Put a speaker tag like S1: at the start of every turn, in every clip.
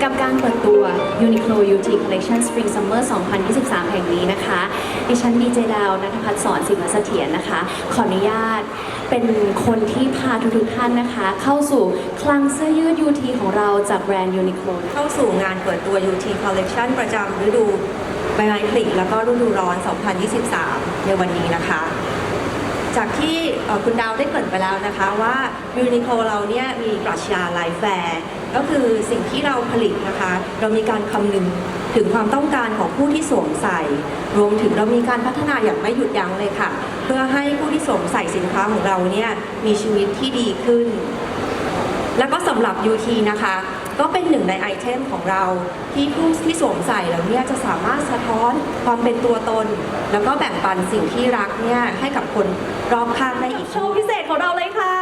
S1: กับการเปิดตัว Uniqlo UT Collection Spring Summer 2023 แห่งนี้นะคะดิฉันดีเจดาวณัฐพัฒน์สอนสิงห์เสถียรนะคะขออนุญาตเป็นคนที่พาทุกท่านนะคะเข้าสู่คลังเสื้อยืด UT ของเราจากแบรนด์ Uniqlo
S2: เข้าสู่งานเปิดตัว UT Collection ประจำฤดูใบไม้ผลิแล้วก็ฤดูร้อน 2023 ในวันนี้นะคะ จากที่คุณดาวได้เกริ่นไปแล้วนะคะว่า Uniqlo เราเนี่ยมีปรัชญาไลฟ์แฟร์ก็คือสิ่งที่เราผลิตนะคะเรามีการคำนึงถึงความต้องการของผู้ที่สวมใส่รวมถึงเรามีการพัฒนาอย่างไม่หยุดยั้งเลยค่ะเพื่อให้ผู้ที่สวมใส่สินค้าของเราเนี่ยมีชีวิตที่ดีขึ้นแล้วก็สำหรับ UT นะคะก็เป็นหนึ่งในไอเทมของเราที่ผู้ที่สวมใส่แล้วเนี่ยจะสามารถสะท้อนความเป็นตัวตนแล้วก็แบ่งปันสิ่งที่รักเนี่ยให้กับคนรอบข้างได้อีก
S1: โชว์พิเศษของเราเลยค่ะ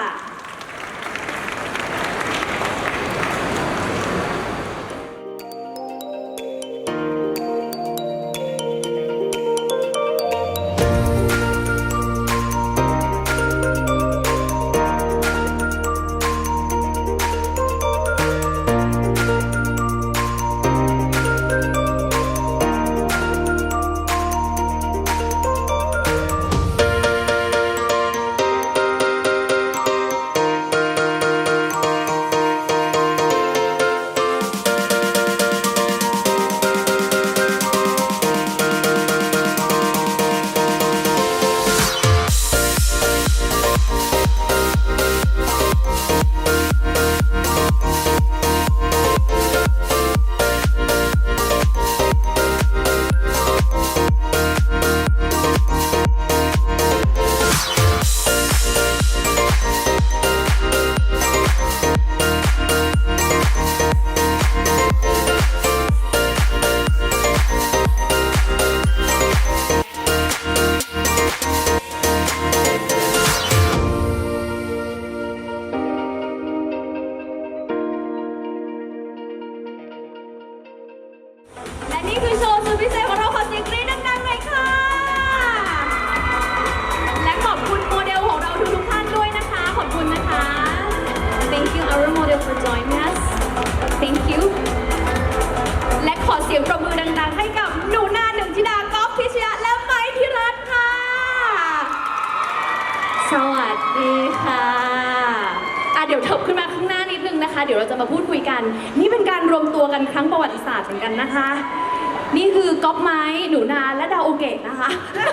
S1: และนี่คือโชว์สุดพิเศษของเราขอเสียงกรี๊ดดังๆหน่อยค่ะ และขอบคุณโมเดลของเราทุกท่านด้วยนะคะ ขอบคุณนะคะ Thank you our model for joining us Thank you และขอเสียงปรบมือดังๆให้กับหนูนาหนึ่งธิดาก๊อฟพิชยะและไม้พิรัตน์ค่ะ สวัสดีค่ะเดี๋ยวเถิบขึ้นมาข้างหน้านิดนึงนะคะ เดี๋ยวเราจะมาพูดคุยกัน นี่เป็นการรวมตัวกันครั้งประวัติศาสตร์เหมือนกันนะคะ นี่คือก๊อฟไม้หนูนาและดาวโอเกะนะคะ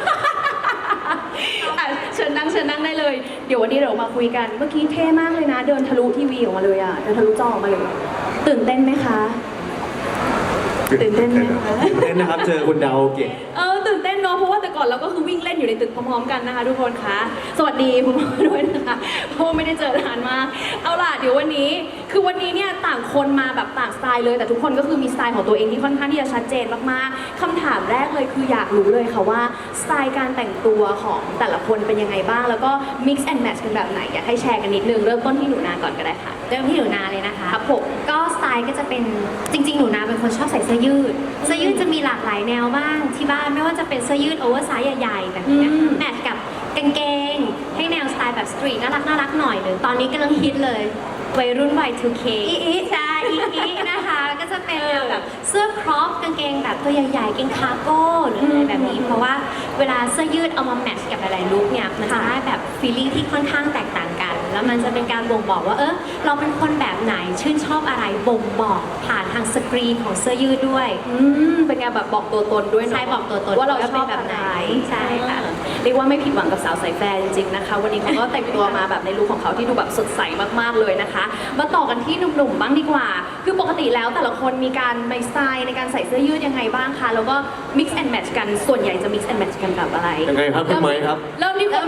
S1: เชิญนั่งได้เลย เดี๋ยววันนี้เรามาคุยกัน เมื่อกี้เท่มากเลยนะ เดินทะลุทีวีออกมาเลยเดินทะลุจอออกมาเลย ตื่นเต้นไหมคะ ตื่นเต้นไหมคะ
S3: ตื่นเต้นนะครับเจอคุณดาวเกะ
S1: ตื่นเต้นเนาะเพราะว่าแต่ก่อนเราก็คือวิ่งเล่นอยู่ในตึกพร้อมๆกันนะคะทุกคนคะสวัสดีคุณพ่อด้วยนะคะเพราะไม่ได้เจอนานมากเอาล่ะเดี๋ยววันนี้เนี่ยต่างคนมาแบบต่างสไตล์เลยแต่ทุกคนก็คือมีสไตล์ของตัวเองที่ค่อนข้างที่จะชัดเจนมากๆคำถามแรกเลยคืออยากรู้เลยค่ะว่าสไตล์การแต่งตัวของแต่ละคนเป็นยังไงบ้างแล้วก็ mix and match กันแบบไหนอยากให้แชร์กันนิดนึงเริ่มต้นที่หนูนาก่อนก็ได้ค่ะ
S4: เริ่มที่หนูนาเลยนะคะ
S1: ครับผม
S4: ก็สไตล์ก็จะเป็นจริงๆหนูนาเป็นคนชอบใส่เสื้อยืดจะมีหลากหลายแนวบ้างที่บ้านไม่ว่าจะเป็นเสื้อยืดโอเวอร์ไซส์ใหญ่ๆแบบนี้แมทกับกางเกงให้แนวสไตล์แบบสตรีทน่ารักหน่อยหนึ่งตอนนี้กำลังฮิตเลยวัยรุ่น Y2K ใช่อีนะคะก็จะเป็นแนวแบบเสื้อครอปกางเกงแบบตัวใหญ่ๆกางคาร์โก้หรืออะไรแบบนี้เพราะว่าเวลาเสื้อยืดเอามาแมทช์กับหลายๆลุคเนี่ยมันจะได้แบบฟีลลิ่งที่ค่อนข้างแตกต่างกันแล้วมันจะเป็นการบ่งบอกว่าเราเป็นคนแบบไหนชื่นชอบอะไรบ่งบอกผ่านทางสกรีนของเสื้อยืดด้วย
S1: เป็นไงแบบบอกตัวตนด้วยเนาะ
S4: ใช่บอกตัวตน
S1: ว่าเราชอบ
S4: แบบไหนใช่ค่ะ
S1: เรียกว่าไม่ผิดหวังกับสาวสายแฟร์จริงๆนะคะวันนี้เขาก็แต่งตัวมาแบบในลุคของเขาที่ดูแบบสดใสมากๆเลยนะคะมาต่อกันที่หนุ่มๆบ้างดีกว่าคือปกติแล้วแต่ละคนมีการไมสไตล์ในการใส่เสื้อยืดยังไงบ้างคะแล้วก็ mix and match กันส่วนใหญ่จะ mix and match กันกับอะไร
S3: ยังไงครับคุณไม้ครับ
S1: เริ่มที่พี่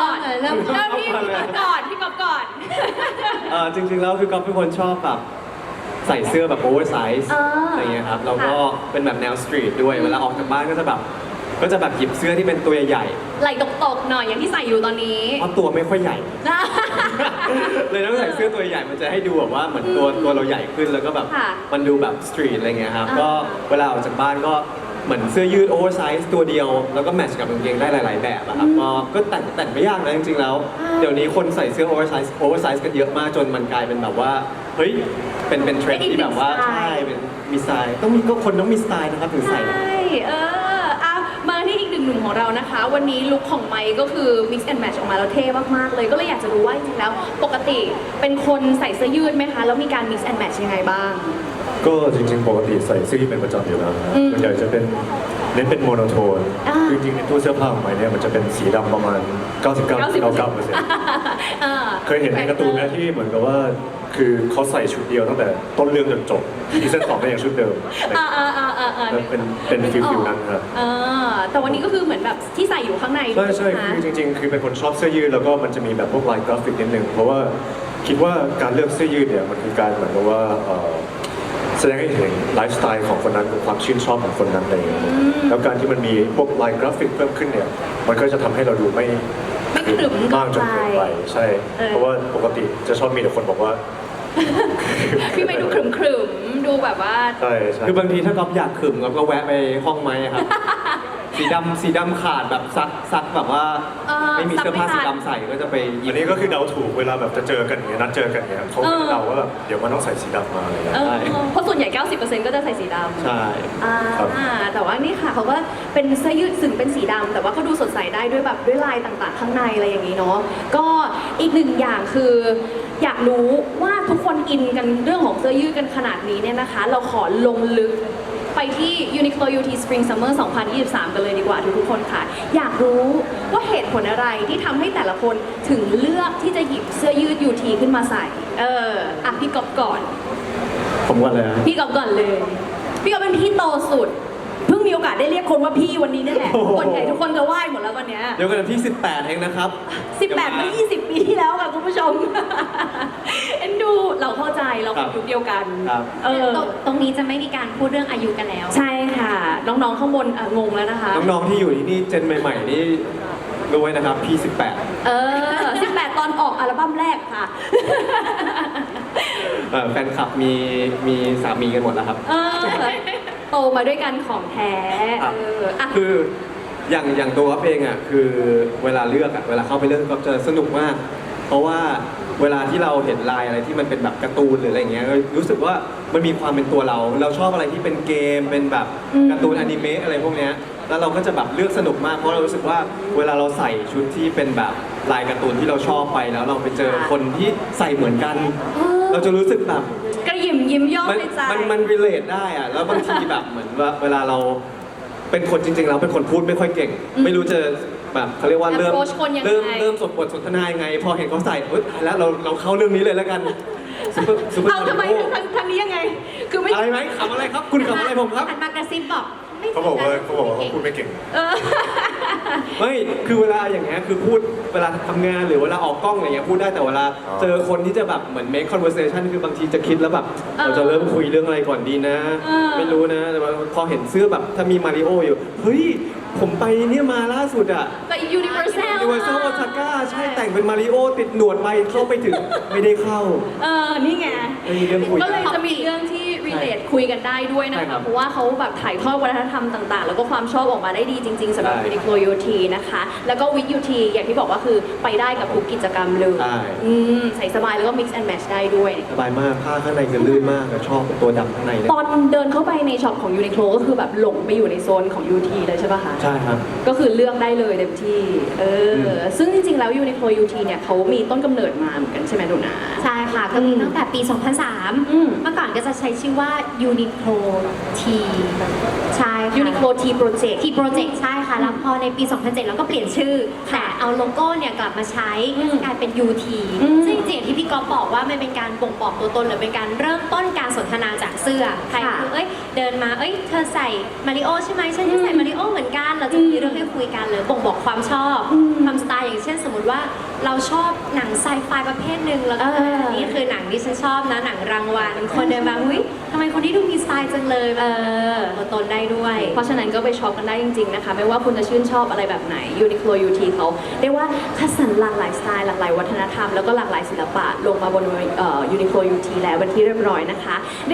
S1: ก่อนพี่ก๊อฟก่อน
S3: จริงๆแล้วคือก๊อฟเป็นคนชอบแบบใส่เสื้อแบบโอเวอร์ไซส์อะไรเงี้ยครับแล้วก็เป็นแบบแนวสตรีทด้วยเวลาออกจากบ้านก็จะแบบหยิบเสื้อที่เป็นตัวใหญ่
S1: ไหล่ตกๆหน่อยอย่างที่ใส่อยู่ตอนนี้
S3: เพราะตัวไม่ค่อยใหญ่ เลยต้องใส่เสื้อตัวใหญ่มันจะให้ดูแบบว่าเหมือนตัวเราใหญ่ขึ้นแล้วก็แบบมันดูแบบสตรีทอะไรเงี้ยครับก็เวลาออกจากบ้านก็เหมือนเสื้อยืดโอเวอร์ไซส์ตัวเดียวแล้วก็แมทช์กับกางเกงได้หลาย ๆ แบบอะครับก็แต่งไม่ยากนะจริงๆแล้วเดี๋ยวนี้คนใส่เสื้อโอเวอร์ไซส์กันเยอะมากจนมันกลายเป็นแบบว่าเฮ้ยเป็นเทรนด์ที่แบบว่าใช่เป็นมีสไตล์คนต้องมีสไตล์นะครับถึงใส่
S1: ใช่เอามาที่อีกหนึ่งหนุ่มของเรานะคะ วันนี้ลุคของไมค์ก็คือ mix and match ออกมาแล้วเท่มากๆเลยก็เลยอยากจะรู้ว่าจริงๆแล้วปกติเป็นคนใส่เสื้อยืดไหมคะแล้วมีการ mix and match ยังไงบ้าง
S5: ก็จริงๆปกติใส่เสื้อยืดเป็นประจำอยู่แล้วนะ
S1: อืม
S5: ส่วนใหญ่จะเป็นเน้นเป็นโมโนโทน
S1: อ่า
S5: คือจริงๆในตู้เสื้อผ้าของไมค์เนี่ยมันจะเป็นสีดำประมาณ 99.99% เคยเห็นในการ์ตูนไหมที่เหมือนกับว่าคือเขาใส่ชุดเดียวตั้งแต่ต้นเรื่องจนจบซีซั่น2ก็ยังชุดเดิม เป็นฟิลนั้นครับ
S1: แต่วันนี้ก็คือเหมือนแบบที่ใส่อยู่ข้างใน
S5: ใช่ใช่
S1: ไหม
S5: คือจริงๆ คือเป็นคนชอบเสื้อยืดแล้วก็มันจะมีแบบพวกลายกราฟิกนิดนึงเพราะว่าคิดว่าการเลือกเสื้อยืดเนี่ยมันคือการเหมือนกับว่าแสดงให้เห็นไลฟ์สไตล์ของคนนั้นความชื่นชอบของคนนั้นอะไรอย่างเงี้ยแล้วการที่มันมีพวกลายกราฟิกเพิ่มขึ้นเนี่ยมันก็จะทำให้เราดูไม่
S1: ไม่กระดึบ
S5: มากจนเกินไปใช่ เพราะว่าปกติจะชอบมีแต่คนบอกว่า
S1: พี่ไม่ดูขรึมๆดูแบบว่า
S5: ใช่ใช่
S3: คือบางทีถ้าก๊อฟอยากขึมก๊อฟก็แวะไปห้องไม้ครับ สีดำขาดแบบซักแบบว่า ไม่มีเสื้อผ้าสีดำใส่ก็จะไปหยิ
S5: อั
S3: บ
S5: นนี้ก็คือเดาถูกเวลาแบบจะเจอกันอย่างเงี้ยนัดเจอกันเนี่ยเขาก็เดาว่าแบบเดี๋ยวมันต้องใส่สีดำมาอะไรเงี้ย
S1: เพราะส่วนใหญ่ 90% ก็จะใส่สีดำ
S3: ใช่
S5: ครับ
S1: แต่ว่านี่ค่ะเขาก็เป็นเสื้อยืดสึ่งเป็นสีดำแต่ว่าก็ดูสดใสได้ด้วยแบบด้วยลายต่างๆ ข้างในอะไรอย่างนี้เนาะก็อีกหนึ่งอย่างคือ อยากรู้ว่าทุกคนอินกันเรื่องของเสื้อยืดกันขนาดนี้เนี่ยนะคะ เราขอลงลึกไปที่ Uniqlo UT Spring Summer 2023 กันเลยดีกว่าทุกๆคนค่ะ อยากรู้ว่าเหตุผลอะไรที่ทำให้แต่ละคนถึงเลือกที่จะหยิบเสื้อยืด UT ขึ้นมาใส่พี่ก๊อฟก่อน
S3: ผมก่อนเลยนะ
S1: พี่ก๊อฟก่อนเลย พี่ก๊อฟเป็นพี่โตสุด เพิ่งมีโอกาสได้เรียกคนว่าพี่วันนี้นี่แหละ
S3: โอ้โห
S1: คนใหญ่ทุกคนจะไหว้หมดแล้ววันเนี้ย
S3: เดี๋ยวกันที่ 18 เองนะครับ
S1: 18มา20 ปีที่แล้วค่ะคุณผู้ชม เอ็นดูเราเข้าใจเราเป็นยุคเดียวกัน
S3: ครับ
S4: ตรงนี้จะไม่มีการพูดเรื่องอายุกันแล้ว
S1: ใช่ค่ะ น้องๆข้างบนงงแล้วนะคะ
S3: น้องๆที่อยู่ที่นี่เจนใหม่ๆนี่รู้ไว้นะครับพี่
S1: 18 ตอนออกอัลบั้มแรกค่ะ
S3: 18แฟนคลับมีสามีกันหมดแล้วครับ
S1: โตมาด้วยกันของแท้
S3: ครับ
S1: อ่ะ
S3: คืออย่างตัวก๊อฟเองอ่ะคือเวลาเลือกอ่ะเวลาเข้าไปเลือกก็จะสนุกมาก เพราะว่าเวลาที่เราเห็นลายอะไรที่มันเป็นแบบการ์ตูนหรืออะไรเงี้ยรู้สึกว่ามันมีความเป็นตัวเราชอบอะไรที่เป็นเกมเป็นแบบการ์ตูนอนิเมะอะไรพวกเนี้ยแล้วเราก็จะแบบเลือกสนุกมากเพราะเรารู้สึกว่าเวลาเราใส่ชุดที่เป็นแบบลายการ์ตูนที่เราชอบไปแล้วเราไปเจอคนที่ใส่เหมือนกัน เราจะรู้สึกแบบ
S1: กระหยิมยิ้มย่องในใจ
S3: มัน relate ได้อะแล้วบางทีแบบเหมือนว่าเวลาเราเป็นคนจริงๆเราเป็นคนพูดไม่ค่อยเก่ง ไม่รู้จะแบบเขาเรียกว่าเริ่ม
S1: approach คนยังไง
S3: เริ่มบทสนทนายังไง พอเห็นเขาใส่เฮ้ยตายแล้วเราเข้าเรื่องนี้เลยแล้วกันซุปเปอร์
S1: เอาทำไมทางนี้ยังไง คือไม่
S3: อะไรไหมขำอะไรครับ คุณขำอะไรผมครับ
S4: อันมากระซิบบอกไม่
S5: เขาบอกว่าเขาพูดไม่เก่ง
S3: ไม่คือเวลาอย่างเงี้ยคือพูดเวลาทำงานหรือเวลาออกกล้องอะไรเงี้ยพูดได้แต่เวลา
S5: อ๋อ
S3: เจอคนที่จะแบบเหมือน make conversation คือบางทีจะคิดแล้วแบบเราจะเริ่มคุยเรื่องอะไรก่อนดีนะ ไม่รู้นะแต่ว่าพอเห็นเสื้อแบบถ้ามีมาริโออยู่เฮ้ยผมไปเนี่ยมาล่าสุดอะ
S1: ก็ Universal
S3: Universal Osaka ใช่แต่งเป็นมาริโอติดหนวดไปเข้าไปถึงไม่ได้เข้า
S1: นี่ไง
S3: ไม่มีเรื่องคุย
S1: ก็เลยจะมีเรื่องที่ relate คุยกันได้ด้วยนะ
S3: ใช่ครั
S1: คะ
S3: บ
S1: เพราะว่าเขาแบบถ่ายทอดวัฒนธรรมต่างๆ แล้วก็ความชอบออกมาได้ดีจริงๆสำหรับ
S3: ใช่
S1: Uniqlo UT นะคะ แล้วก็ with UT อย่างที่บอกว่าคือไปได้กับทุกกิจกรรมเลย
S3: ใช่
S1: ใส่สบายแล้วก็ mix and match ได้ด้วย
S3: สบายมากผ้าข้างในจะลื่นมากชอบตัวดำข้างในเลย
S1: ตอนเดินเข้าไปในช็อปของ Uniqlo ก็คือแบบหลงไปอยู่ในโซนของ UT เลยใช่ปะคะ
S3: ใช่ครับ
S1: ก็คือเลือกได้เลยเต็มที่ ซึ่งจริงๆ แล้ว Uniqlo UT เนี่ยเขามีต้นกำเนิดมาเหมือนกันใช่ไหมหนูนา
S4: ใช่ค่ะ ก็มีตั้งแต่ปี
S1: อืม
S4: 2003 เมื่อก่อนก็จะใช้ชื่อว่า Uniqlo T ใช่ค่ะ
S1: Uniqlo T Project
S4: T Project ใช่ค่ะ แล้วพอในปี 2007 เราก็เปลี่ยนชื่อ แต่เอาโลโก้เนี่ยกลับมาใช้กลายเป็น UT ซึ่งจริงๆอย่างที่พี่ก๊อฟบอกว่ามันเป็นการบ่งบอกตัวตนหรือเป็นการเริ่มต้นการสนทนาจากเสื้อ ใครคือเดินมา เธอใส่มาริโอใช่ไหมฉันจะใส่มาริโอเหมือนกัน เราจะมีเรื่องให้คุยกันหรือบ่งบอกความชอบความสไตล์อย่างเช่นสมมติว่าเราชอบหนังไซไฟประเภทหนึ่งแล้วก็นี่คือหนังที่ฉันชอบนะหนังรางวัลคนเดินมาอุ้ยทำไมคนที่ดูมีสไตล์จังเลยตัวตนได้ด้วย
S1: เพราะฉะนั้นก็ไปช็อปกันได้จริงๆนะคะ ไม่ว่าคุณจะชื่นชอบอะไรแบบไหน Uniqlo UT เขาเรียกว่าคัดสรรหลากหลายสไตล์หลากหลายวัฒนธรรมแล้วก็หลากหลายศิลปะลงมาบนUniqlo UT แล้วเป็นที่เรียบร้อยนะคะเรียกว่าเห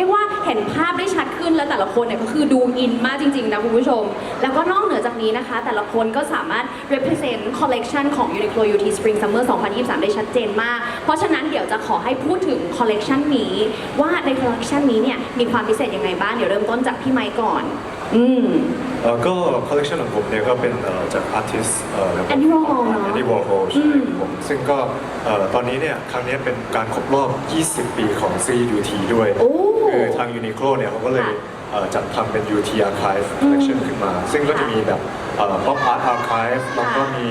S1: เห็นภาพได้ชัดขึ้นแล้วแต่ละคนเนี่ยก็คือดูอินมากจริงๆนะคุณผู้ชม แล้วก็นอกเหนือจากนี้นะคะ แต่ละคนก็สามารถ represent collection ของ Uniqlo UT Spring Summer 2023 ได้ชัดเจนมาก เพราะฉะนั้นเดี๋ยวจะขอให้พูดถึง collection นี้ว่าใน collection นี้เนี่ยมีความพิเศษยังไงบ้างเดี๋ยวเริ่มต้นจากพี่ไมค์ก่อน
S5: ก็คอลเลคชันของผมเนี่ยก็เป็นจากอาร์ติสต์
S1: Andy Warhol เนอะ
S5: Andy Warhol ใช่ครับผมซึ่งก็ตอนนี้เนี่ยครั้งนี้เป็นการครบรอบ 20 ปีของซีรีส์ UT ด้วย
S1: โอ้
S5: คือทาง Uniqlo เนี่ยเขาก็เลย
S1: ค่ะ
S5: จัดทำเป็น UT Archive Collection ขึ้นมา ซึ่งก็จะมีแบบPop Art Archive แล้วก็มี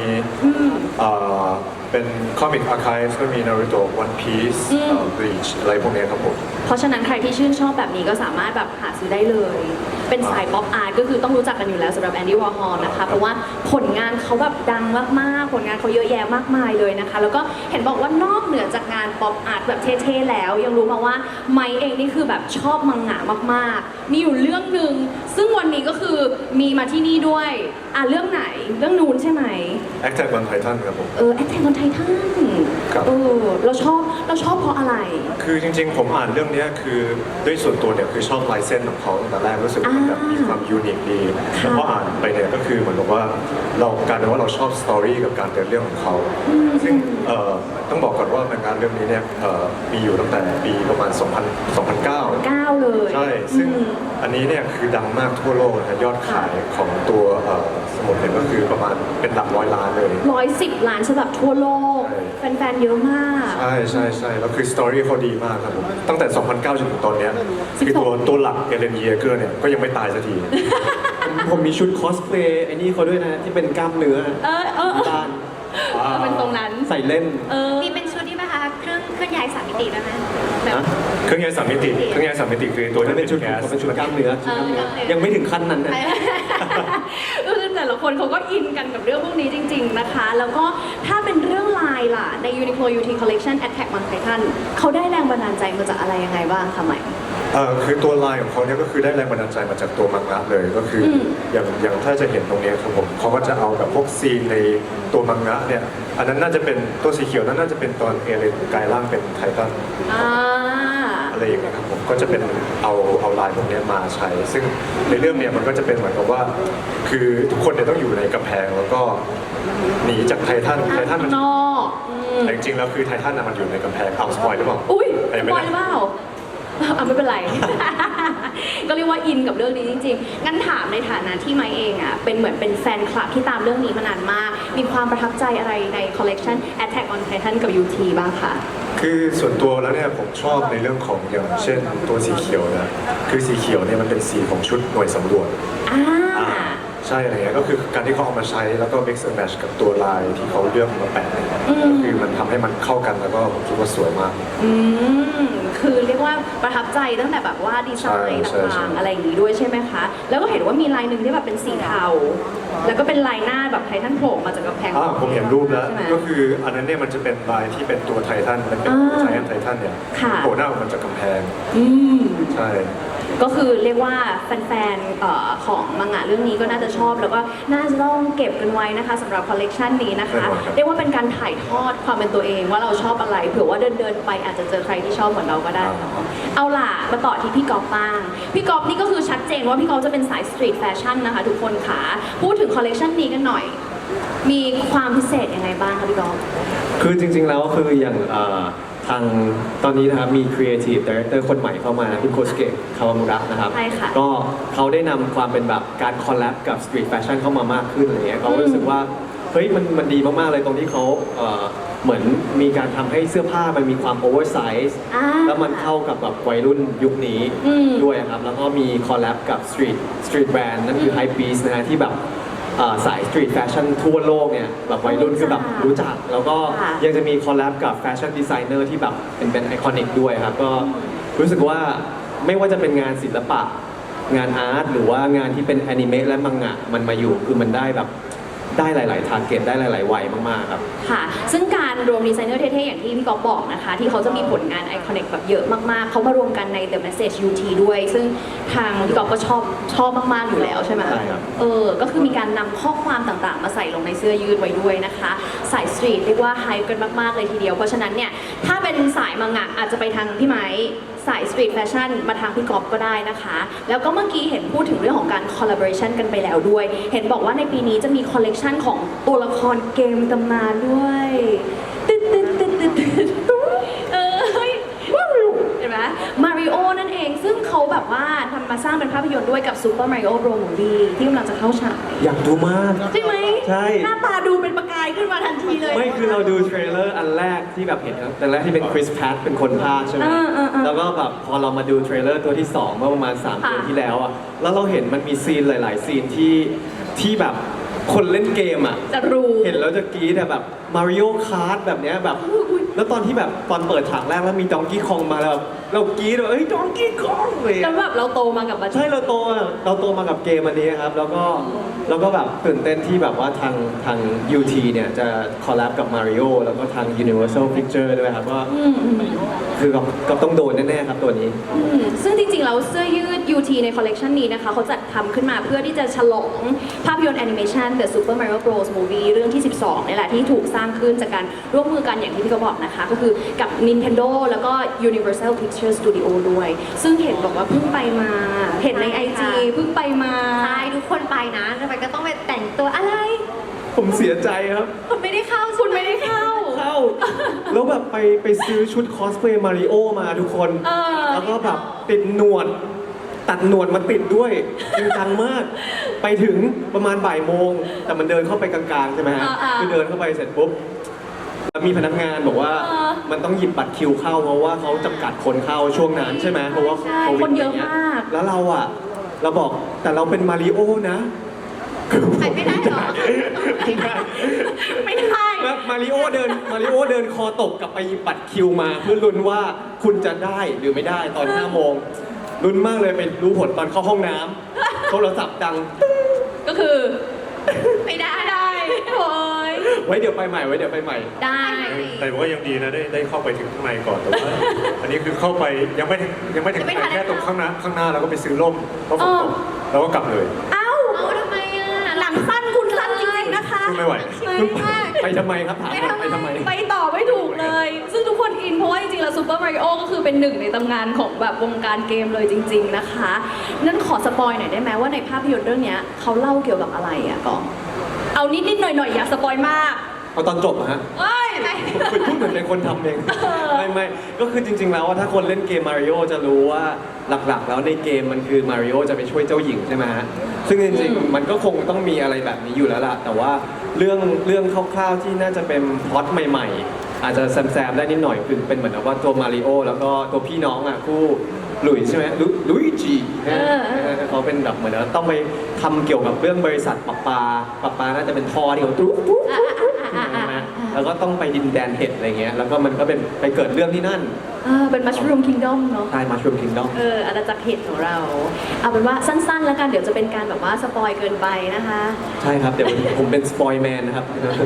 S5: เป็น Comic Archive ก็มี Naruto One Piece Bleach อะไรพวกเนี้ยครับผม
S1: เพราะฉะนั้นใครที่ชื่นชอบแบบนี้ก็สามารถแบบหาซื้อได้เลย เป็นสายป๊อปอาร์ตก็คือต้องรู้จักกันอยู่แล้วสำหรับแอนดี้วอร์ฮอลนะคะ เพราะว่าผลงานเขาแบบดังมากๆ ผลงานเขาเยอะแยะมากมายเลยนะคะ แล้วก็เห็นบอกว่านอกเหนือจากงานป๊อปอาร์ตแบบเท่ๆแล้ว ยังรู้มาว่าไมค์เองนี่คือแบบชอบมังงะมากๆ มีอยู่เรื่องหนึ่งซึ่งวันนี้ก็คือมีมาที่นี่ด้วยเรื่องไหนเรื่องนู้นใช่ไหม
S5: Attack on Titan ครับผม
S1: แอคแทนคนไททัน
S5: ครับ
S1: เราชอบเพราะอะไร
S5: คือจริงๆ ผมอ่านเรื่องเนี้ยคือด้วยส่วนตัวเนี่ยคือชอบลายเส้นของเขาตั้งแต่แรกรู้สึกว่ามันแบบมีความยูนิคดีแล้วพออ่านไปเนี่ยก็คือเหมือนกับว่าเรากลายเป็นว่าเราชอบสตอรี่กับการเดินเรื่องของเขาซึ่งต้องบอกก่อนว่างานเรื่องนี้เนี่ยมีอยู่ตั้งแต่ปีประมาณ 2009
S1: 9 เลย
S5: ใช่ ซึ่งอันนี้เนี่ยคือดังมากทั่วโลกนะฮะยอดขายของตัวสมุดเนี่ยก็คือประมาณเป็นหลักร้อยล้านเลย
S1: 110 ล้านฉบับทั่วโลก
S5: ใช่
S1: แฟนๆ เยอะมาก
S5: ใช่ใช่ใช่แล้วคือสตอรี่เขาดีมากครับผมตั้งแต่ 2009 จนถึงตอนเนี้ยคือตัวหลักเอเลนเยเกอร์เนี่ยก็ยังไม่ตายสักที
S3: ผมมีชุดคอสเพลย์ไอ้นี่เขาด้วยนะที่เป็นกล้ามเนื้อ บ้าน
S1: เป็นตรงนั้น
S3: ใส่เล่น
S4: มีเป็นชุดที่ไหมคะเครื่องย้าย3 มิติได้ไหมแบบ
S3: นะ
S5: เครื่องยนต์สามมิติคือตัว
S3: มัน
S5: ที่
S3: เป็นชุด
S5: แก๊ส
S3: เป็นชุดกล้ามเนื้อชุดกล้ามเนื้อยังไม่ถึงขั้นนั้นนะ
S1: ก็คือแต่ละคนเขาก็อินกันกับเรื่องพวกนี้จริง ๆนะคะ แล้วก็ถ้าเป็นเรื่องลายล่ะใน Uniqlo UT Collection Attack on Titan เขาได้แรงบันดาลใจมาจากอะไรยังไงบ้างคะใหม่
S5: คือตัวลายของเขาเนี่ยก็คือได้แรงบันดาลใจมาจากตัวมังงะเลยก็คืออย่างถ้าจะเห็นตรงเนี้ยครับผมเขาก็จะเอาแบบพวกซีนในตัวมังงะเนี่ยอันนั้นน่าจะเป็นตัวสีเขียวนั้นน่าจะเป็นตอนเอเลนกลายร่างเป็นไททันอะไรอย่างเงี้ยครับผมก็จะเป็นเอาลายพวกเนี้ยมาใช้ ซึ่งในเรื่องเนี่ยมันก็จะเป็นเหมือนกับว่า คือทุกคนเนี่ยต้องอยู่ในกำแพงแล้วก็หนีจากไททันมัน
S1: นอก
S5: แต่จริงๆแล้วคือไททันน่ะมันอยู่ในกำแพงเอาสปอยหรือเปล่า
S1: อุ้ย
S5: ยัง
S1: ส
S5: ไม่
S1: ปอย
S5: ได้
S1: หรือเปล่าไม่เป็นไร ก็เรียกว่าอินกับเรื่องนี้จริงๆ งั้นถามในฐานะที่ไมค์เองอ่ะเป็นเหมือนเป็นแฟนคลับที่ตามเรื่องนี้มานานมาก มีความประทับใจอะไรในคอลเลกชัน Attack on Titan กับ UT บ้างคะ
S5: คือส่วนตัวแล้วเนี่ยผมชอบในเรื่องของอย่างเช่นตัวสีเขียวนะคือสีเขียวเนี่ยมันเป็นสีของชุดหน่วยสำรวจ ใช่อะไรเงี้ยก็คือการที่เขาเอามาใช้แล้วก็ mix and match กับตัวลายที่เขาเลือกมาแปะเนี่ยก็คือมันทำให้มันเข้ากันแล้วก็ผมคิดว่าสวยมาก
S1: คือเรียกว่าประทับใจตั้งแต่แบบว่าดีไซน์
S5: ใช่
S1: ต่างๆอะไรอย่างนี้ด้วยใช่ไหมคะ แล้วก็เห็นว่ามีลายหนึ่งที่แบบเป็นสีเทา แล้วก็เป็นลายหน้าแบบไททันโผล่มาจากกำแพง
S5: ผมเห็นรูปแล้ว
S1: ใช่ไหม
S5: ก็คืออันนั้นเนี่ยมันจะเป็นลายที่เป็นตัวไททันมันเป็นไททันเนี่ย
S1: ค่ะ
S5: โผล่หน้าออกมาจากกำแพง
S1: อืม
S5: ใช่
S1: ก็คือเรียกว่าแฟนๆของมังงะเรื่องนี้ก็น่าจะชอบ แล้วก็น่าจะต้องเก็บกันไว้นะคะสำหรับคอลเลกชันนี้นะคะ
S5: แน่นอนครับ
S1: เรียกว่าเป็นการถ่ายทอดความเป็นตัวเองว่าเราชอบอะไรเผื่อว่าเดินๆไปอาจจะเจอใครที่ชอบเหมือนเราก็ได้เนาะเอาล่ะมาต่อที่พี่กอล์ฟบ้างพี่กอล์ฟนี่ก็คือชัดเจนว่าพี่กอล์ฟจะเป็นสายสตรีทแฟชั่นนะคะทุกคนค่ะพูดถึงคอลเลกชันนี้กันหน่อย มีความพิเศษยังไงบ้างคะพี่กอล์ฟ
S3: คือจริงๆแล้วคืออย่างทางตอนนี้นะครับมี Creative Director คนใหม่เข้ามาคุณโคสเกะคาวามุระนะครับ
S1: ใช่ค่ะ
S3: ก็เขาได้นำความเป็นแบบการคอลแลบกับ Street Fashion เข้ามามากขึ้นอะไรเงี้ยเขารู้สึกว่าเฮ้ยมันดีมากๆเลยตรงที่เขาเหมือนมีการทำให้เสื้อผ้ามันมีความโอเวอร์ไซส์แล้วมันเข้ากับแบบวัยรุ่นยุคนี้ด้วยครับแล้วก็มีคอลแลบกับ Street Brand นั่นคือ Hype Beast นะฮะที่แบบสายสตรีทแฟชั่นทั่วโลกเนี่ยแบบวัยรุ่นคือแบบรู้จัก แล้วก็ยังจะมีคอลแลบกับแฟชั่นดีไซเนอร์ที่แบบเป็นไอคอนิกด้วยครับก็รู้สึกว่าไม่ว่าจะเป็นงานศิลปะงานอาร์ตหรือว่างานที่เป็นแอนิเมะและมังงะมันมาอยู่คือมันได้แบบได้หลายๆทาร์เก็ตได้หลายๆวัยมากๆครับ
S1: ค่ะ ซึ่งการรวมดีไซเนอร์เท่ๆ อย่างที่พี่ก๊อฟบอกนะคะ ที่เขาจะมีผลงานไอคอนิกแบบเยอะมากๆ เขามารวมกันใน The Message UT ด้วย ซึ่งทางพี่ก๊อฟก็ชอบมากๆ อยู่แล้วใช่ไหม
S3: ใช่ครับ
S1: ก็คือมีการนำข้อความต่างๆ มาใส่ลงในเสื้อยืดไว้ด้วยนะคะ สายสตรีทเรียกว่าไฮกันมากๆ เลยทีเดียว เพราะฉะนั้นเนี่ย ถ้าเป็นเป็นสายมังงะอาจจะไปทางพี่ไม้สายสตรีทแฟชั่นมาทางพี่กอฟก็ได้นะคะ แล้วก็เมื่อกี้เห็นพูดถึงเรื่องของการคอลลาบอร์เรชันกันไปแล้วด้วย เห็นบอกว่าในปีนี้จะมีคอลเลกชันของตัวละครเกมตำนานด้วยตึ๊ดตึ๊ดตึ๊ดตึ๊ดตึ๊ดเฮ้ยเห็นไหมมาริโอนั่นเองซึ่งเขาแบบว่าทำมาสร้างเป็นภาพยนตร์ด้วยกับ Super Mario Bros. Movie ที่กำลังจะเข้าฉาย
S3: อยากดูมาก
S1: ใช่ไหม
S3: ใช่
S1: หน้าตาดูเป็นประกายขึ้นมาทันทีเลย
S3: ไม่คือเราดูเทรลเลอร์อันแรกที่แบบเห็นครับอันแรกที่เป็นคริสแพทเป็นคนพากย์ใช่ไหม แล้วก็แบบพอเรามาดูเทรลเลอร์ตัวที่ 2 เมื่อประมาณ 3 เดือนที่แล้วอ่ะ แล้วเราเห็นมันมีซีนหลาย ๆ ซีนที่แบบคนเล่นเกมอ่ะ
S1: จะรู้
S3: เห็นแล้วจะกรี๊ดอะแบบมาริโอคาร์ดแบบเนี้ยแบบ แล้วตอนที่แบบตอนเปิดฉากแรกแล้วมีดองกี้คองมาแล้วแบบเรากรี๊ดแบบเอ้ยดองกี้คองเลย
S1: แล้ว
S3: อะ
S1: แบบเราโตมากับมัน
S3: ใช่เราโตมากับเกมอันนี้ครับ แล้วก็แบบตื่นเต้นที่แบบว่าทาง UT เนี่ยจะคอลแลบกับ Mario แล้วก็ทาง Universal Pictures ด้วยครับว่าคือก็ต้องโดนแน่ๆครับตัวนี้
S1: ซึ่งจริงๆ แล้วเสื้อยืด UT ในคอลเลกชันนี้นะคะเขาจัดทำขึ้นมาเพื่อที่จะฉลองภาพยนตร์แอนิเมชัน The Super Mario Bros. Movie เรื่องที่ 12นี่แหละที่ถูกสร้างขึ้นจากการร่วมมือกันอย่างที่พี่ก็บอกนะคะ ก็คือกับ Nintendo แล้วก็ Universal Pictures Studio ด้วย ซึ่งเห็นบอกว่าเพิ่งไปมา เห็นใน IG เพิ่งไปมา
S4: ใช่ทุกคนไปนะทำไมก็ต้องไปแต่งตัวอะไร
S3: ผมเสียใจครับ
S4: คุณไม่ได้เข้า
S1: คุณไม่ได้เข้า
S3: แล้วแบบไปซื้อชุดคอสเพลย์มาริโอมาทุกคน แล้วก็แบบติดหนวด ตัดหนวดมาติดด้วยจริงจังมาก ไปถึงประมาณบ่ายโมง แต่มันเดินเข้าไปกลางๆใช่ไหมฮะ คือเดินเข้าไปเสร็จปุ๊บแล้วมีพนักงานบอกว่ามันต้องหยิบบัตรคิวเข้าเพราะว่าเขาจำกัดคนเข้าช่วงนั้นใช่ไหมเพราะว่า
S1: ใช่
S3: โควิด
S1: คนเยอะ
S3: ไรงี้
S1: มาก
S3: แล้วเราบอกแต่เราเป็นมาริโอนะ
S4: ไปไม่ได้เหรอ
S1: ไม่ได้
S3: แบบมาริโอเดินคอตกกลับไปหยิบบัตรคิวมาเพื่อลุ้นว่าคุณจะได้หรือไม่ได้ตอน 5 โมงลุ้นมากเลยไปรู้ผลตอนเข้าห้องน้ำโทรศัพท์ดัง
S1: ก็คือ ไม่ได้โอ้ย
S3: ไว้เดี๋ยวไปใหม่
S1: ได้
S5: แต่ว่ายังดีนะได้เข้าไปถึงข้างในก่อนแต่ว่าอันนี้คือเข้าไปยังไม่ถึงแค่ตรงข้างหน้าแล้วก็ไปซื้อร่มเพราะฝนตกแล้วก็กลับเลย
S1: เอ้า
S4: เอาทำไมอ่ะ
S1: หนังสั้นคุณสั้นจริงๆนะคะ
S5: สู้ไม่ไหว
S3: ไปทำไมครับถามว่าไปทำไม
S1: ไปต่อไม่ถูกเลย ซึ่งทุกคนอินเพราะว่าจริงๆ แล้วซูเปอร์มาริโอก็คือเป็นหนึ่งในตำนานของแบบวงการเกมเลยจริง ๆนะคะ นั่นขอสปอยหน่อยได้ไหมว่าในภาพยนตร์เรื่องเนี้ยเขาเล่าเกี่ยวกับอะไรอะกองเอานิดๆหน่อยๆอย่าสปอยมาก
S3: เอาตอนจบอะฮะ
S1: เอ้ย
S3: คุณพูดเหมือนเป็นคนทำเอง ไม่ก็คือจริง ๆ แล้วว่าถ้าคนเล่นเกมมาริโอจะรู้ว่าหลักๆ แล้วในเกมมันคือมาริโอจะไปช่วยเจ้าหญิงใช่ไหมฮะซึ่งจริงๆมันก็คงต้องมีอะไรแบบนี้อยู่แล้วล่ะแต่ว่าเรื่องคร่าวๆที่น่าจะเป็นพล็อตใหม่ๆ อาจจะแซมๆได้นิดหน่อยคือเป็นเหมือนกับว่าตัวมาริโอแล้วก็ตัวพี่น้องอ่ะคู่หลุยส์ใช่ไหมลุยจีเขาเป็นแบบเหมือนว่าต้องไปทำเกี่ยวกับเรื่องบริษัทปะปาน่าจะเป็นท่อที่เขาตุ๊บใช่ไหมแล้วก็ต้องไปดินแดนเห็ดอะไรเงี้ยแล้วก็มันก็เป็นไปเกิดเรื่องที่นั่น
S1: เป็นมัชรูมคิงดอมเนาะ
S3: ใช่มาชูมคิงดอม
S1: อาณาจักรเห็ดของเรา เอาเป็นว่าสั้นๆ แล้วกันเดี๋ยวจะเป็นการแบบว่าสปอยเกินไปนะคะ
S3: ใช่ครับ เดี๋ยวผมเป็นสปอยแมนนะครับ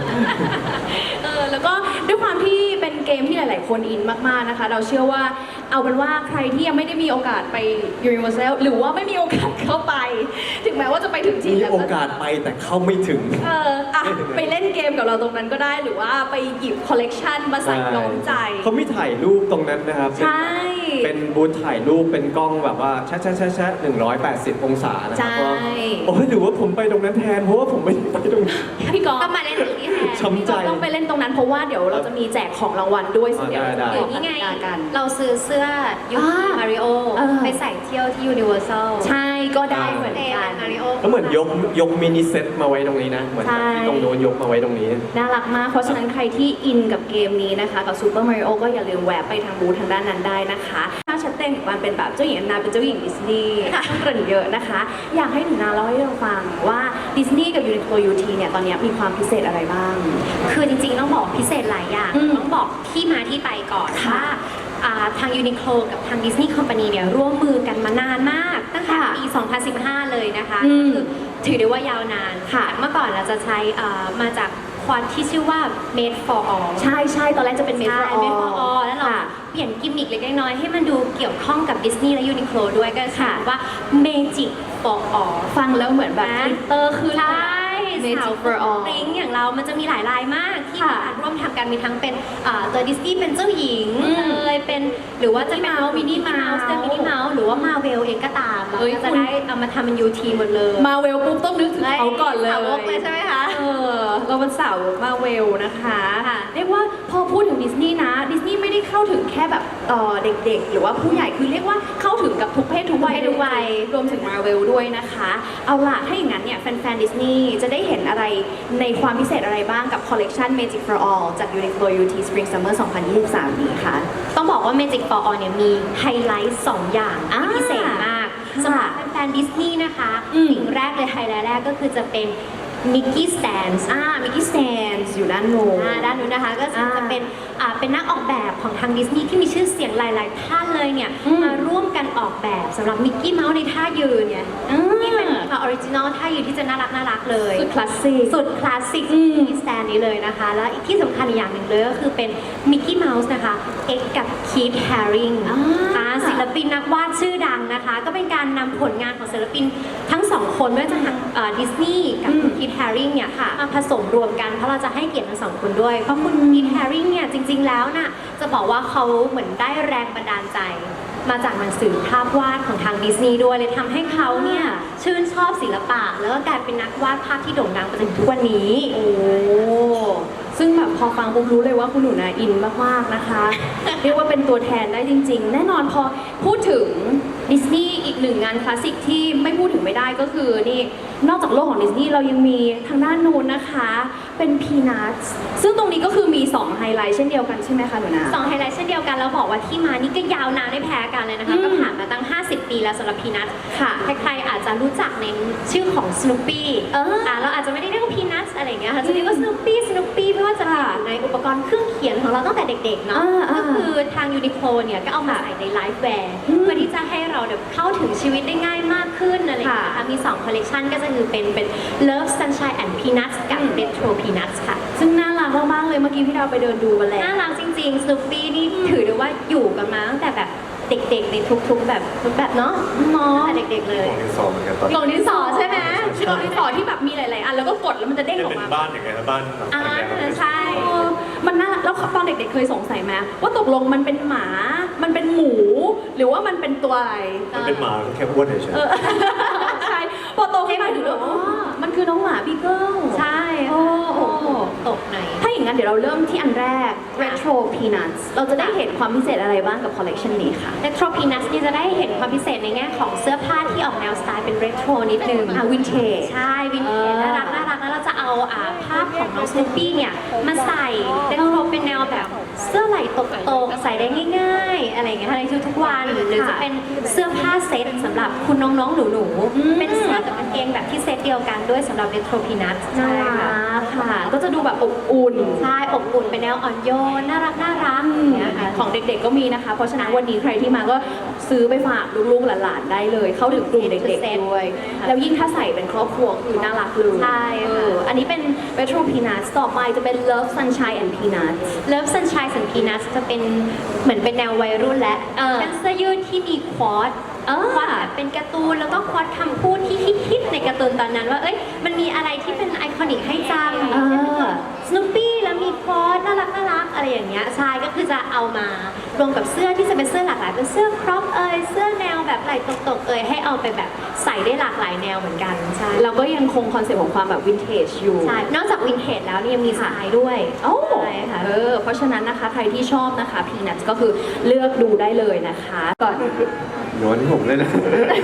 S1: แล้วก็ด้วยความที่เป็นเกมที่หลาย ๆ คนอินมาก ๆ นะคะ เราเชื่อว่าเอาเป็นว่าใครที่ยังไม่ได้มีโอกาสไป Universal หรือว่าไม่มีโอกาสเข้าไป ถึงแม้ว่าจะไปถึงที่
S3: มี
S1: แล้ว
S3: โอกาสไปแต่เข้าไม่ถึง
S1: ไปเล่นเกมกับเราตรงนั้นก็ได้ หรือว่าไปหยิบคอลเลกชันมาใส่น้องใจ
S3: เขามีถ่ายรูปตรงนั้นนะครับ
S1: ใช่
S3: เป็นบูธถ่ายรูปเป็นกล้องแบบว่าแชะ180 องศานะครั
S1: ใช่
S3: ว่าโอ้ยหรือว่าผมไปตรงนั้นแทนเพราะว่าผมไม่ได้ไปตรงนั้น
S1: พี่กอล์ฟ
S4: ก็มาเล่นตรงนี้แทน
S3: ช้ำใจ
S1: ต้องไปเล่นตรงนั้นเพราะว่าเดี๋ยวเราจะมีแจกของรางวัลด้วยซึ่งเดี๋ยว
S3: ได้
S1: เรา
S4: หรื
S1: จะ
S4: อนี่ไง
S1: บอกกติกากัน
S4: เราซื้อเสื้อยูนิมาริโอไปใส่เที่ยวที่ยูนิเวอร์แซล
S1: ใช่ก็ได้เหมือน
S4: เอ
S1: กัน
S4: มาริโอ
S3: แล้วเหมือนยกมินิเซ็ตมาไว้ตรงนี้นะเหมือนแบบที่ตรงโน้นยกมาไว้ตรงนี้
S1: น่ารักมาก เพราะฉะนั้นใครที่อินกับเกมนี้นะคะ กับ Super Mario ก็อย่าลืมแวะไปทางบูธทางด้านนั้นได้นะคะถ้าชัดเจนกับการเป็นแบบเจ้าหญิงแอนนาเป็นเจ้าหญิงดิสนีย์ต้องเกริ่นเยอะนะคะ อยากให้หนูนาเล่าให้เราฟังว่าดิสนีย์กับยูนิโคล UT เนี่ยตอนนี้มีความพิเศษอะไรบ้าง
S4: คือจริงๆต้องบอกพิเศษหลายอย่าง ต้องบอกที่มาที่ไปก่อน
S1: ค่ะ
S4: ว่าทางยูนิโคลกับทางดิสนีย์คอมพานีเนี่ยร่วมมือกันมานานมาก ตั้งแต่
S1: ค่ะ
S4: ปี 2015 เลยนะคะ
S1: อืม
S4: คือถือได้ว่ายาวนาน
S1: ค่ะ
S4: เมื่อก่อนเราจะใช้มาจากควอนที่ชื่อว่า made for all
S1: ใช่ใช่ตอนแรกจะเป็นเม
S4: ใช่
S1: โทร
S4: made for all แล้วเรา
S1: ค่ะ
S4: เปลี่ยนกิมมิคเล็กๆน้อยๆให้มันดูเกี่ยวข้องกับดิสนีย์และยูนิโคลด้วยก็คือ
S1: ค่ะ
S4: ว่า magic for all
S1: ฟังแล้วเหมือนแบบ
S4: นะ
S1: กลิตเตอร์ขึ้น
S4: ใช่
S1: Magic
S4: สาว
S1: for All
S4: ปริ้งอย่างเรามันจะมีหลายลายมากที่
S1: ค่ะ
S4: มาร่วมทำกันมีทั้งเป็นตัวดิสนีย์เป็นเจ้าหญิง
S1: อืม
S4: เป็นหรือว่าจะเป็น
S1: Minnie Mouse
S4: มินนี่เมาส์เป็นมินนี่เมาส์หรือว่ามาเวลเองก็ตามเรา
S1: เฮ้ย
S4: ก็จะ
S1: คุณ
S4: ได้เอามาทำเป็นยูทีหมดเลย
S1: มาเวลปุ๊บต้องนึกถึงเขาก่อนเลย
S4: สาวกเลยใช่ไหมคะ
S1: เราเป็นสาวมาเวลนะคะ
S4: ค่ะ
S1: เรียกว่าพอพูดถึงดิสนีย์นะดิสนีย์ไม่ได้เข้าถึงแค่แบบเด็กๆ หรือว่าผู้ใหญ่คือเรียกว่าเข้าถึงกับทุกเพศทุกวัย
S4: ทุกวัย
S1: รวมถึงมาเวลด้วยนะคะ เอาล่ะถ้าอย่างนั้นเนี่ยแฟนๆดิสนีย์จะได้เห็นอะไรในความพิเศษอะไรบ้างกับคอลเลกชัน Magic for All จาก Uniqlo UT Spring Summer 2023 นี้ค่ะ
S4: ต้องบอกว่า Magic for All เนี่ยมีไฮไลท์2อย่างที่พิเศษมาก
S1: ค่ะ
S4: สำหรับแฟนๆดิสนีย์นะคะ
S1: อืม
S4: สิ่งแรกเลยไฮไลท์แรกก็คือจะเป็นมิกกี้สแตนส์
S1: มิกกี้สแตนส์อยู่ด้านโน้น
S4: ด้านนู้นนะคะก็จะ
S1: อ่า
S4: เป็นนักออกแบบของทางดิสนีย์ที่มีชื่อเสียงหลาย ๆ ท่านเลยเนี่ย
S1: อืม
S4: มาร่วมกันออกแบบสำหรับมิกกี้เมาส์ในท่ายืนเนี่ยที่เป็นออริจินอลท่ายืนที่จะน่ารักเลย
S1: สุดคลาสสิก
S4: สุดคลาสสิก
S1: อืม
S4: มิกกี้สแตนนี้เลยนะคะ แล้วอีกที่สำคัญอีกอย่างหนึ่งเลยก็คือเป็นมิกกี้เมาส์นะคะเอ็กกับคีธแฮริง ศิลปินนักวาดชื่อดังนะคะ ก็เป็นการนำผลงานของศิลปินทั้งสองคนไม่ว่าจะทางดิสนีย์กับคุณคีธแฮริงเนี่ยมาผสมรวมกันเพราะเราจะให้เกียรติทั้งสองคนด้วย เพราะคุณคีธแฮริงเนี่ยจริงๆแล้วน่ะจะบอกว่าเขาเหมือนได้แรงบันดาลใจ มาจากหนังสือภาพวาดของทางดิสนีย์ด้วยเลยทำให้เขาเนี่ยชื่นชอบศิลปะ แล้วก็กลายเป็นนักวาดภาพที่โด่งดังมาจนถึงทุกวันนี้
S1: โอ้ ซึ่งแบบพอฟังปุ๊บรู้เลยว่าคุณหนูนาอินมากๆนะคะ เรียกว่าเป็นตัวแทนได้จริง ๆ แน่นอนพอพูดถึงดิสนีย์อีกหนึ่งงานคลาสสิกที่ไม่พูดถึงไม่ได้ก็คือนี่นอกจากโลกของดิสนีย์เรายังมีทางด้านนู้นนะคะ เป็นพีนัทซึ่งตรงนี้ก็คือมี2ไฮไลท์เช่นเดียวกันใช่ไหมคะหนูนา
S4: สองไฮไลท์เช่นเดียวกันแล้วบอกว่าที่มานี่ก็ยาวนานไม่แพ้กันเลยนะคะ
S1: อืม
S4: ก็ผ่านมาตั้ง 50 ปีแล้วสำหรับพีนัท
S1: ค่ะ
S4: ใครๆอาจจะรู้จักในชื่อของส n ูปี้ เราอาจจะไม่ได้เรียกว่าพีนัทอะไรอย่างเงี้ยค่ะจะเรียกว่าส n ูปี้ไม่ว่าจะเป็นอยู่ในอุปกรณ์เครื่องเขียนของเราตั้งแต่เด็กๆเนาะ
S1: อ่า
S4: ก็คือทางยูนิโคลเนี่ยก็เอามาใส่ในไลฟ์แวร์
S1: อืม
S4: เพื่อที่จะให้เราเนี่ยเข้าถึงชีวิตได้ง่ายมากขึ้นอะไรอย่างเงี้ย
S1: ค่ะ
S4: ค่ะมี2คอลเลคชันก็จะคือเป็น Love Sunshine and Peanuts กับ Retro Peanuts ค่ะ
S1: ซึ่งน่ารักมากๆเลยเมื่อกี้พี่ดาวไปเดินดูมาแล้ว
S4: น่ารักจริงๆ ส n ูปี้นี่ถือได้ว่าอยู่กันมาตั้งแต่แบบเด็กๆ ในทุกๆแบบเนาะ
S1: เนาะ
S4: ตั้งแต่เด็กๆเลย
S5: ของดินสอเหมือนกันตอน
S1: กล่องดินสอใช่ไหมกล่องดินสอที่แบบมีหลายๆอันแล้วก็กดแล้วมันจะเด้ง
S5: จะ
S1: ออก
S5: เป็น
S1: มา
S5: บ้านอย่างเงี้ยนะบ้านแบบ
S4: อ่า ใช่
S1: เออมันน่ารักแล้วตอนเด็กๆเคยสงสัยไหมว่าตกลงมันเป็นหมา มันเป็นหมู หรือว่ามันเป็นตัวอะไร
S5: มันเป็นหมาแค่อ้วนเฉย
S1: เออ ใช่ พอโตขึ้นมาถึงแล้วอ๋อมันคือน้องหมาบีเกิล
S4: ใช่
S1: โอ้
S4: ค่ะตกหน่อย
S1: ถ้าอย่างนั้นเดี๋ยวเราเริ่มที่อันแรก Retro Peanuts เราจะได้เห็นความพิเศษอะไรบ้างกับคอลเลกชันนี้ค่ะ
S4: Retro Peanuts นี่จะได้เห็นความพิเศษในแง่ของเสื้อผ้าที่ออกแนวสไตล์เป็น Retro นิดนึง
S1: วินเทจ
S4: ใช่วินเทจน่ารักแล้วเราจะเอาภาพของน้องส n ูปี้เนี่ยมาใส่เรโทรเป็นแนวแบบเสื้อไหล่ตกๆใส่ได้ง่ายๆ อะไรอย่างเงี้ยในทุกๆวันหรือจะเป็นเสื้อผ้าเซ็ตสำหรับคุณน้องๆหนู
S1: อืม
S4: ๆเป็นเสื้อกับกางเกงแบบที่เซ็ตเดียวกันด้วยสำหรับ Retro Peanuts
S1: น่า
S4: ใช่ค่ะ
S1: รักค่ะ ก็จะดูแบบอบอุ่น
S4: ใช่อบอุ่นเป็นแนวอ่อนโยนน่ารักอย่างเงี้ยค่ะ
S1: ของเด็กๆก็มีนะคะ เพราะฉะนั้นวันนี้ใครที่มาก็ซื้อไปฝากลูกๆหลานๆได้เลย เข้าถึงกลุ่มเด็กๆด้วย แล้วยิ่งถ้าใส่เป็นครอบครัวคือน่ารักเลย
S4: ใช่ค่ะ
S1: อันนี้เป็น Retro Peanuts ต่อไปจะเป็น Love Sunshine and Peanuts
S4: Love Sunshine and Peanuts จะเป็นเหมือนเป็นแนววัยรุ่นและ เป็นเสื้อยืดที่มีควอตควอตแบบเป็นการ์ตูนแล้วก็ควอตคำพูดที่ฮิตๆในการ์ตูนตอนนั้นว่าเอ้ยมันมีอะไรที่เป็นไอคอนิกให้จำสนุปปี้แล้วมีควอตน่ารักอะไรอย่างเงี้ยใช่ก็คือจะเอามารวมกับเสื้อที่จะเป็นเสื้อหลากหลายเป็นเสื้อครอปเสื้อแนวแบบไหล่ตกๆให้เอาไปแบบใส่ได้หลากหลายแนวเหมือนกันใช่
S1: เราก็ยังคงคอนเซ็ปต์ของความแบบวินเทจอยู่
S4: ใช่ นอกจากวินเทจแล้วเนี่ยยังมีสายด้วย
S1: โอ้
S4: ใช่ค่ะ
S1: เพราะฉะนั้นนะคะใครที่ชอบนะคะ Peanuts ก็คือเลือกดูได้เลยนะคะก่อน
S3: โยนที่ผมเลยนะ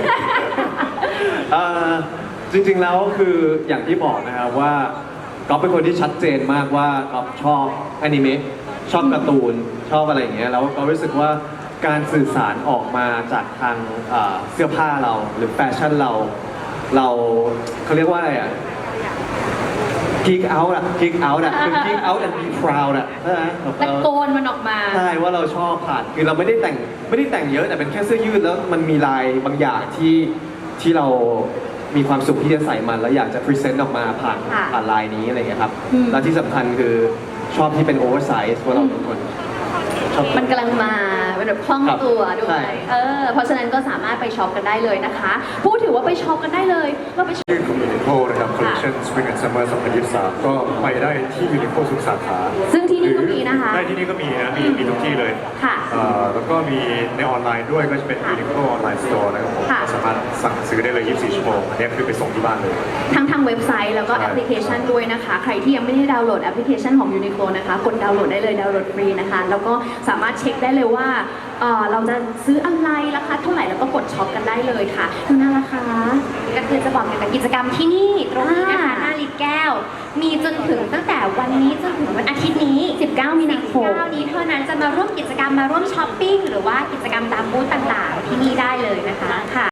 S3: จริงๆแล้วคืออย่างที่บอกนะครับว่าก๊อฟเป็นคนที่ชัดเจนมากว่าก๊อฟชอบอนิเมะชอบการ์ตูนชอบอะไรอย่างเงี้ยแล้วก็รู้สึกว่าการสื่อสารออกมาจากทางเสื้อผ้าเราหรือแฟชั่นเราเขาเรียกว่าอะไรอ่ะ geek out อ่ะ geek out อ่ะคือ geek out and be proud อ่ะใช่ไหม
S1: ตะโกนมันออกมา
S3: ใช่ว่าเราชอบผ่านคือเราไม่ได้แต่งเยอะแต่เป็นแค่เสื้อยืดแล้วมันมีลายบางอย่างที่เรามีความสุขที่จะใส่มันแล้วอยากจะพรีเซนต์ออกมาผ่าน
S1: ค่ะ
S3: ลายนี้อะไรอย่างเงี้ยครับ
S1: อืม
S3: แล้วที่สำคัญคือชอบที่เป็นโอเวอร์ไซส์เพราะเราเป็นคนชอบ
S1: มันกำลังมาเป็นแบบคล่องตัวด้ว
S3: ใช่
S1: ยเพราะฉะนั้นก็สามารถไปช็อปกันได้เลยนะคะ พูดถือว่าไปช็อปกันได้เลยเราไปช็อป
S5: ชื่อของยูนิโคลนะครับคอลเลคชัน Collection Spring and Summer 2023 ก็ไปได้ที่ยูนิโคทุกสาขา
S1: ซึ่งที่นี่ก็มีนะคะ
S5: ได้ที่นี่ก็มีนะมีทุกที่เลย
S1: ค่ะ
S5: แล้วก็มีในออนไลน์ด้วยก็จะเป็น Uniqlo Online Store นะครับผม
S1: ค่ะ
S5: ก็สามารถสั่งซื้อได้เลย 24 ชั่วโมงอันนี้คือไปส่งที่บ้านเลย
S1: ทั้งทางเว็บไซต์แล้วก็
S5: ใช่
S1: แอปพลิเคชันด้วยนะคะ ใครที่ยังไม่ได้ดาวน์โหลดแอปพลิเคชันของ Uniqlo นะคะกดดาวน์โหลดได้เลยดาวน์โหลดฟรีนะคะ แล้วก็สามารถเช็คได้เลยว่าเราจะซื้ออะไรราคาเท่าไหร่แล้วก็กดช็อปกันได้เลยค่ะดูน่าราคา
S4: ก็คือจะบอกเกี่ยวกับกิจกรรมที่นี่ตรงนี้นะคะ
S1: อ่า
S4: หน้าลิตแก้ว มีจนถึงตั้งแต่วันนี้จนถึงวันอาทิตย์นี้
S1: 19 มีนาคม
S4: 19นี้เท่านั้นจะมาร่วมกิจกรรมมาร่วมช้อปปิ้งหรือว่ากิจกรรมตามบูธต่างๆ ที่นี่ได้เลยนะคะค่ะ